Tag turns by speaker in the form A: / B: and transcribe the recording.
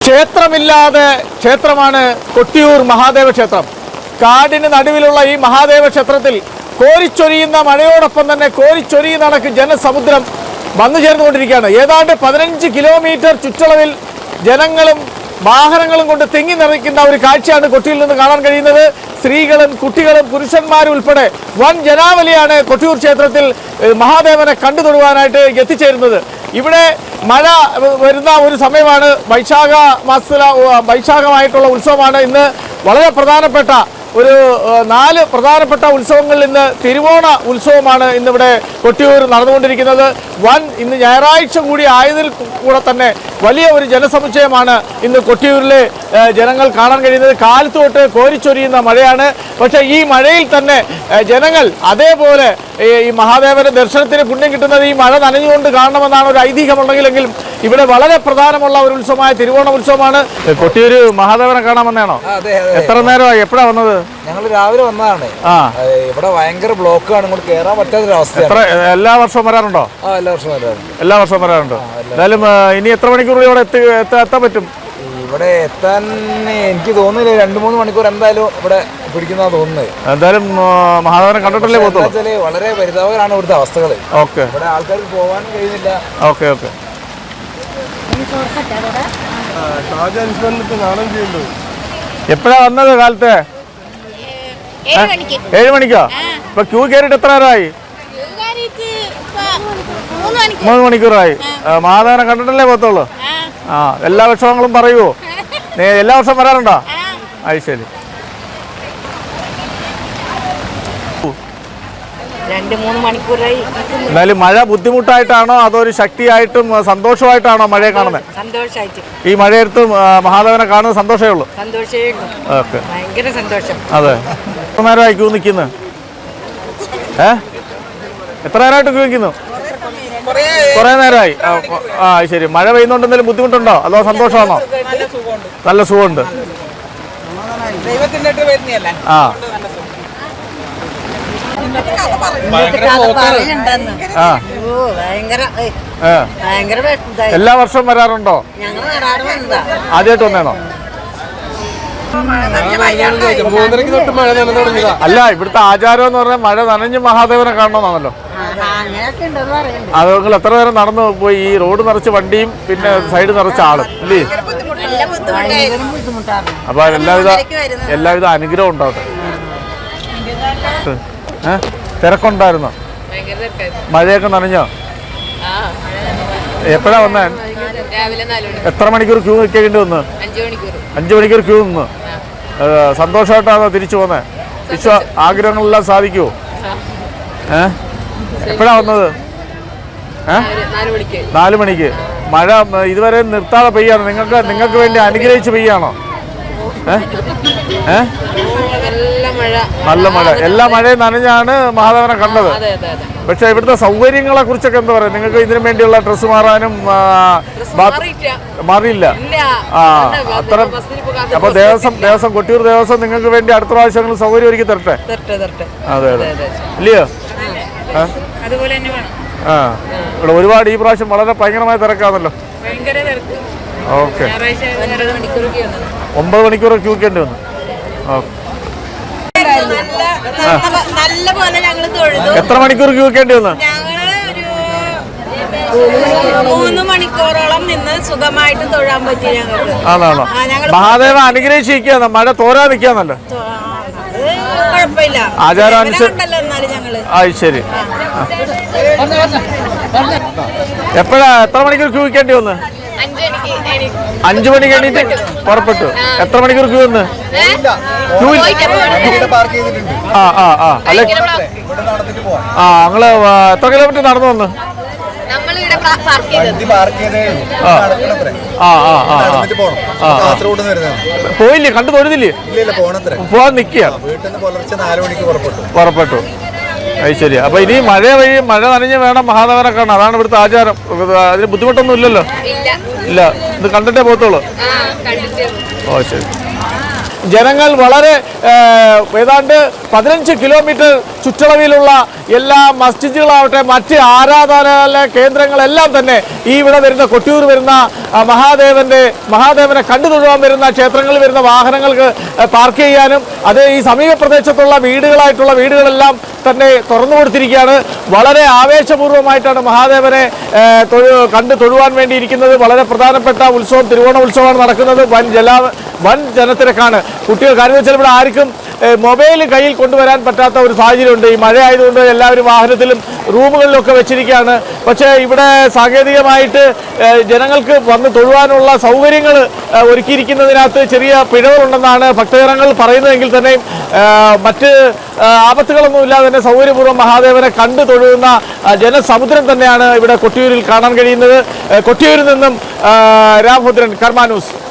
A: ക്ഷേത്രമില്ലാതെ ക്ഷേത്രമാണ് കൊട്ടിയൂർ മഹാദേവ ക്ഷേത്രം. കാടിന് നടുവിലുള്ള ഈ മഹാദേവ ക്ഷേത്രത്തിൽ കോരിച്ചൊരിയുന്ന മഴയോടൊപ്പം തന്നെ കോരിച്ചൊരിയുന്ന കണക്ക് ജനസമുദ്രം വന്നു ചേർന്നുകൊണ്ടിരിക്കുകയാണ്. ഏതാണ്ട് 15 കിലോമീറ്റർ ചുറ്റളവിൽ ജനങ്ങളും വാഹനങ്ങളും കൊണ്ട് തിങ്ങി നിറയ്ക്കുന്ന ഒരു കാഴ്ചയാണ് കൊട്ടിയിൽ നിന്ന് കാണാൻ കഴിയുന്നത്. സ്ത്രീകളും കുട്ടികളും പുരുഷന്മാരും ഉൾപ്പെടെ വൻ ജനാവലിയാണ് കൊട്ടിയൂർ ക്ഷേത്രത്തിൽ മഹാദേവനെ കണ്ടു തൊഴുവാനായിട്ട് എത്തിച്ചേരുന്നത്. ഇവിടെ മഴ വരുന്ന ഒരു സമയമാണ്. വൈശാഖമായിട്ടുള്ള ഉത്സവമാണ് ഇന്ന്. വളരെ പ്രധാനപ്പെട്ട ഒരു 4 പ്രധാനപ്പെട്ട ഉത്സവങ്ങളിൽ ഇന്ന് തിരുവോണ ഉത്സവമാണ് ഇന്നിവിടെ കൊട്ടിയൂർ നടന്നുകൊണ്ടിരിക്കുന്നത്. ഇന്ന് ഞായറാഴ്ച കൂടി ആയതിൽ കൂടെ തന്നെ വലിയ ഒരു ജനസമുച്ചയമാണ് ഇന്ന് കൊട്ടിയൂരിലെ ജനങ്ങൾ കാണാൻ കഴിയുന്നത്. കാലത്ത് തൊട്ട് കോരിച്ചൊരിയുന്ന മഴയാണ്. പക്ഷേ ഈ മഴയിൽ തന്നെ ജനങ്ങൾ അതേപോലെ ഈ മഹാദേവന്റെ ദർശനത്തിന് പുണ്യം കിട്ടുന്നത് ഈ മഴ നനഞ്ഞുകൊണ്ട് കാണണമെന്നാണ് ഒരു ഐതിഹ്യമുണ്ടെങ്കിലും ഇവിടെ വളരെ പ്രധാനമുള്ള ഒരു ഉത്സവമായ തിരുവോണ ഉത്സവമാണ്. കൊട്ടിയൂർ മഹാദേവനെ കാണാൻ വന്നതാണോ? എത്ര നേരമായി? എപ്പോഴാണ് വന്നത്?
B: ഞങ്ങൾ രാവിലെ വന്നതാണ്. ഇവിടെ ഭയങ്കര ബ്ലോക്കാണ്, ഇങ്ങോട്ട് കയറാൻ പറ്റാത്തൊരവസ്ഥ.
A: എല്ലാ വർഷവും വരാറുണ്ടോ?
B: എല്ലാ വർഷവും വരാറുണ്ട്.
A: എല്ലാ വർഷവും വരാറുണ്ട്. എന്തായാലും ഇനി എത്ര മണിക്കൂർ ഇവിടെ എത്താൻ പറ്റും?
B: ഇവിടെ എത്താൻ എനിക്ക് തോന്നുന്നില്ല, 2-3 മണിക്കൂർ എന്തായാലും ഇവിടെ പിടിക്കുന്ന തോന്നുന്നത്.
A: എന്തായാലും മഹാദേവനെ കണ്ടിട്ടല്ലേ പോകുന്നത്.
B: വളരെ പരിതാപകരമാണ് ഇവിടുത്തെ അവസ്ഥകൾ.
A: ഓക്കെ,
B: ഇവിടെ ആൾക്കാർക്ക് പോകാൻ കഴിയുന്നില്ല.
A: Okay okay. എപ്പോഴാ വന്നത്? കാലത്തെ 7 മണിക്കോ? ഇപ്പൊ ക്യൂ കയറിയിട്ട് എത്ര നേരമായി? 3 മണിക്കൂറായി. മഹാദേവനെ കണ്ടിട്ടല്ലേ പോകത്തുള്ളൂ. എല്ലാ വിഷമങ്ങളും പറയുമോ? എല്ലാ വർഷവും വരാറുണ്ടോ? അത് ശരി.
C: 2-3 മണിക്കൂറായി.
A: എന്നാലും മഴ ബുദ്ധിമുട്ടായിട്ടാണോ അതോ ഒരു ശക്തിയായിട്ടും സന്തോഷമായിട്ടാണോ മഴയെ കാണുന്നത്?
C: സന്തോഷമായിട്ട്.
A: ഈ മഴയത്ത് മഹാദേവനെ കാണുന്നത് സന്തോഷമേ ഉള്ളൂ. ഓക്കെ,
C: ഭയങ്കര സന്തോഷം.
A: അതെ. എത്ര നേരമായി ക്യൂ നിൽക്കുന്നു? എത്ര നേരമായിട്ട് ക്യൂ നിൽക്കുന്നു? കുറെ നേരമായി. ശരി. മഴ പെയ്യുന്നോണ്ട് എന്തെങ്കിലും ബുദ്ധിമുട്ടുണ്ടോ അതോ സന്തോഷമാണോ? നല്ല സുഖമുണ്ട്. എല്ലാ വർഷവും വരാറുണ്ടോ? ആദ്യമായിട്ട് വന്നേണോ? അല്ല, ഇവിടുത്തെ ആചാരം എന്ന് പറഞ്ഞാൽ മഴ നനഞ്ഞ് മഹാദേവനെ കാണണമെന്നാണല്ലോ. അത് നിങ്ങൾ എത്ര നേരം നടന്നു പോയി? ഈ റോഡ് നിറച്ച് വണ്ടിയും പിന്നെ സൈഡ് നിറച്ച ആളും ഇല്ലേ? അപ്പൊ എല്ലാവിധ അനുഗ്രഹം ഉണ്ടാവട്ടെ. തിരക്കുണ്ടായിരുന്നോ? മഴയൊക്കെ നനഞ്ഞോ? എപ്പോഴാ വന്നേ? എത്ര മണിക്കൂർ ക്യൂ നിൽക്കേണ്ടി വന്നു? 5 മണിക്കൂർ ക്യൂ നിന്ന്. സന്തോഷമായിട്ടാണോ തിരിച്ചു പോന്നേ? ആഗ്രഹങ്ങളെല്ലാം സാധിക്കുമോ? എപ്പോഴാ വന്നത്? 4 മണിക്ക്. മഴ ഇതുവരെ നിർത്താതെ പെയ്യാണ്. നിങ്ങൾക്ക് വേണ്ടി അനുഗ്രഹിച്ച് പെയ്യാണോ? നല്ല മഴ. എല്ലാ മഴയും നനഞ്ഞാണ് മഹാദേവനെ കണ്ടത്. പക്ഷെ ഇവിടുത്തെ സൗകര്യങ്ങളെ കുറിച്ചൊക്കെ എന്താ പറയുക? നിങ്ങൾക്ക് ഇതിനു വേണ്ടിയുള്ള ഡ്രസ്സ് മാറാനും മാറിയില്ല. അത്ര. അപ്പൊ ദേവസ്വം കൊട്ടിയൂർ ദേവസ്വം നിങ്ങൾക്ക് വേണ്ടി അടുത്ത പ്രാവശ്യങ്ങൾ സൗകര്യം ഒരുക്കി തരട്ടെ. അതെ അതെ, ഇല്ലയോ? ഇവിടെ ഒരുപാട് ഈ പ്രാവശ്യം വളരെ ഭയങ്കരമായ തിരക്കാണല്ലോ. ഓക്കെ, 9 മണിക്കൂർ ക്യൂ നിൽക്കേണ്ടി വന്നു. എത്ര മണിക്കൂർ ക്യൂ നിൽക്കേണ്ടി വന്നു?
C: 3 മണിക്കൂറോളം നിന്ന് സുഖമായിട്ട് തൊഴാൻ പറ്റി ഞങ്ങൾക്ക്.
A: ആണോ? മഹാദേവ അനുഗ്രഹിച്ചിരിക്കുകയാണ്. മഴ തോരാ നിൽക്കാന്നല്ലോ.
C: കുഴപ്പമില്ല,
A: ആചാരം അനുസരിച്ച്. ശരി. എത്ര മണിക്കൂർ ക്യൂ നിൽക്കേണ്ടി വന്നു? 5 മണിക്ക് എണീറ്റ് പുറപ്പെട്ടു. എത്ര മണിക്കൂർ ക്യൂ വന്ന്? ഞങ്ങള് എത്ര കിലോമീറ്റർ നടന്നു വന്ന്? പോയില്ലേ? കണ്ടു തൊഴുതില്ലേ? പോവാൻ നിൽക്കുക. പുറപ്പെട്ടു. അത് ശരി. അപ്പൊ ഇനി മഴ നനഞ്ഞ് വേണം മഹാദേവനെ കാണാൻ. അതാണ് ഇവിടുത്തെ ആചാരം. അതിന് ബുദ്ധിമുട്ടൊന്നും ഇല്ലല്ലോ? ഇല്ല. ഇത് കണ്ടിട്ടേ പോകത്തുള്ളൂ. ഓ ശരി. ജനങ്ങൾ വളരെ ഏതാണ്ട് 15 കിലോമീറ്റർ ചുറ്റളവിലുള്ള എല്ലാ മസ്ജിദുകളാവട്ടെ മറ്റ് ആരാധനാലയ കേന്ദ്രങ്ങളെല്ലാം തന്നെ ഈ ഇവിടെ വരുന്ന കൊട്ടിയൂർ വരുന്ന മഹാദേവനെ കണ്ടു തൊഴുവാൻ വരുന്ന ക്ഷേത്രങ്ങളിൽ വരുന്ന വാഹനങ്ങൾക്ക് പാർക്ക് ചെയ്യാനും അത് ഈ സമീപ പ്രദേശത്തുള്ള വീടുകളെല്ലാം തന്നെ തുറന്നു കൊടുത്തിരിക്കുകയാണ്. വളരെ ആവേശപൂർവ്വമായിട്ടാണ് മഹാദേവനെ കണ്ടു തൊഴുവാൻ വേണ്ടിയിരിക്കുന്നത്. വളരെ പ്രധാനപ്പെട്ട ഉത്സവം തിരുവോണ ഉത്സവമാണ് നടക്കുന്നത്. വൻ ജനത്തിരക്കാണ്. കുട്ടികൾ കാര്യം വെച്ചാൽ ഇവിടെ ആർക്കും മൊബൈൽ കയ്യിൽ കൊണ്ടുവരാൻ പറ്റാത്ത ഒരു സാഹചര്യമുണ്ട്. ഈ മഴ ആയതുകൊണ്ട് എല്ലാവരും വാഹനത്തിലും റൂമുകളിലൊക്കെ വെച്ചിരിക്കുകയാണ്. പക്ഷേ ഇവിടെ സാങ്കേതികമായിട്ട് ജനങ്ങൾക്ക് വന്ന് തൊഴുവാനുള്ള സൗകര്യങ്ങൾ ഒരുക്കിയിരിക്കുന്നതിനകത്ത് ചെറിയ പിഴവുകളുണ്ടെന്നാണ് ഭക്തജനങ്ങൾ പറയുന്നതെങ്കിൽ തന്നെയും മറ്റ് ആപത്തുകളൊന്നുമില്ലാതെ തന്നെ സൗകര്യപൂർവ്വം മഹാദേവനെ കണ്ടു തൊഴുന്ന ജനസമുദ്രം തന്നെയാണ് ഇവിടെ കൊട്ടിയൂരിൽ കാണാൻ കഴിയുന്നത്. കൊട്ടിയൂരിൽ നിന്നും രാമഭദ്രൻ, കർമ്മ ന്യൂസ്.